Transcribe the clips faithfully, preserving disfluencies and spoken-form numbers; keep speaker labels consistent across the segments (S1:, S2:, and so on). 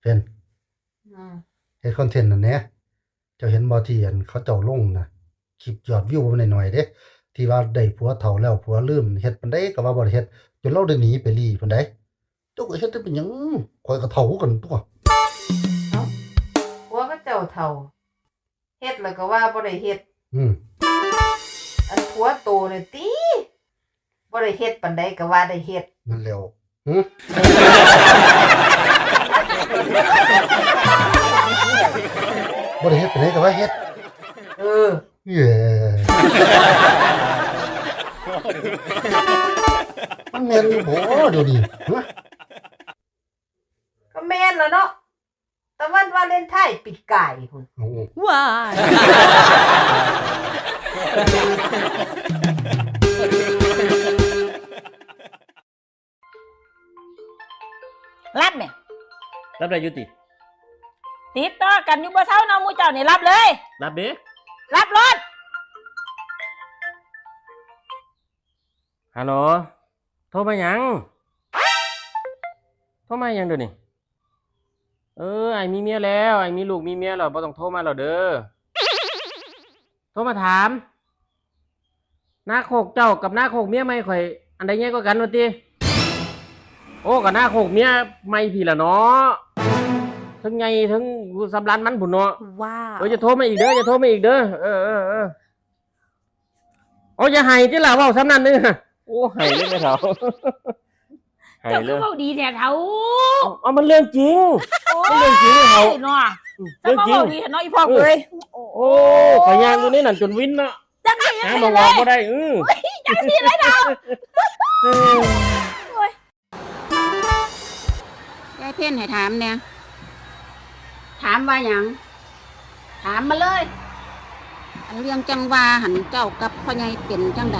S1: เป็น
S2: อืม
S1: เฮ็ดคอนเทนต์นั่นแหละเจ้าเห็นบ่ที่อันเขาเจ้าลงน่ะคลิปยอดวิวมันน้อยๆเด้ที่ว่าได้ผัวเฒ่าแล้วผัวลืมเฮ็ดปานใดก็ว่าบ่ได้เฮ็ดจนเราได้หนีไปลี้ปานใดเจ้าก็เฮ็ดได้เป็นหยังข้อยก็เฒ่าคือกันตั่ว
S2: เอ้าผัวก็เจ้าเฒ่าเฮ็ดแล้วก็ว่าบ่ได้เฮ็ด
S1: อืม
S2: อันผัวโตนี่ติบ่ได้เฮ็ดปานใดก็ว่าได้เฮ็ด
S1: นั่นแล้วหึบ่ได้เฮ็ดปานใดก็ว่าเฮ็ด
S2: เออ
S1: เย้มันแม่นอยู่บ่เดี๋ยวนี้ฮะ
S2: ก็แม่นแล้วเนาะแต่วันวาเลนไทน์ปีกายพุ่น
S3: ว้ายรับเนี่ย
S4: รับได้ยุติ
S3: ติดต่อกันอยู่บ่เช้าเนาะหมู่เจ้านี่รับเลย
S4: รับเด้
S3: รับรถ
S4: ฮัลโหลโทรมาหยังโทรมาหยังเดี๋ยวนี้เออไอ้มีเมียแล้วไอ้มีลูกมีเมียแล้วบ่ต้องโทรมาแล้วเด้อโทรมาถามหน้าโคกเจ้ากับหน้าโคกเมียใหม่ข่อยอันใดใหญ่กว่ากันว่าติโอ้กับหน้าโคกเมียใหม่พี่ล่ะเนาะทั้งใหญ่ทั้งสำรานมันพุ่นเนาะ
S3: ว้าว
S4: เออจะโทรมาอีกเด้อจะโทรมาอีกเด้อเออเออเออโอ้อย่าให้ติล่ะเว้าซ้ำนั้นเด้อโอ้ให้เลยแม่เฒ่าให้
S3: เจ้า
S4: เล
S3: คือย เว้าดีแท้เฒ่า
S4: เอามันเรื่องจริงมันเรื่องจริงเฒ่า
S3: เนาะ
S4: เรื่องจริง
S3: เว้าดีเนาะอีพ่อเอ้ย
S4: โอ้ขอยย่างอยู่นี่นั่นจนวินเนาะ
S3: จังซี่
S4: หาบ่ว่าบ่ได้อื้อ
S3: จังซี่เลยเฒ่าโอ้ย
S5: ยายเพ่นให้ถามเนี่ยถามว่าหยังถามมาเลยอันเรื่องจังว่าหันเจ้ากับพ่อใหญ่เป็นจังใด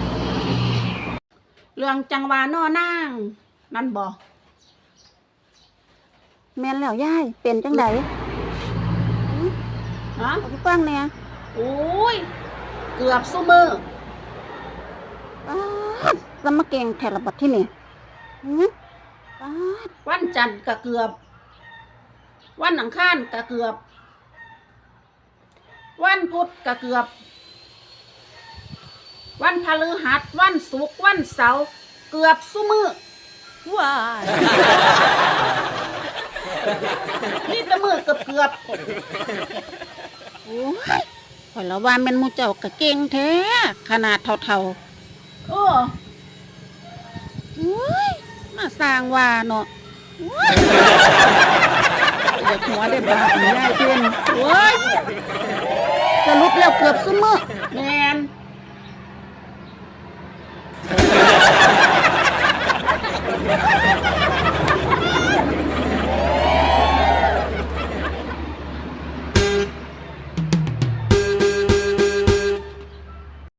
S5: เรื่องจังว่าน้อนางนั่นบ่แม่นแล้วยายเป็นจังใดฮะพี่ฟังเนี่ยโอ้ยเกือบซุมืออ้าสมะเก่งแถละบัดที่นี่วันจันทร์ก็เกือบวันอังคารก็เกือบวันพุธก็เกือบวันพฤหัสวันศุกร์วันเสาร์เกือบซุมือ
S3: ว้าย
S5: นี่ตะมือเกือบเกือบโอ้ยข่อยละว่าแม่นหมู่เจ้าก็เก่งแท้ขนาดเท่าๆโอ้โอ้ยมาสร้างว่าเนาะอยากหัวได้บาปไม่ได้เพื่อนโอ้ยสรุปแล้วเกือบซุมือแม่น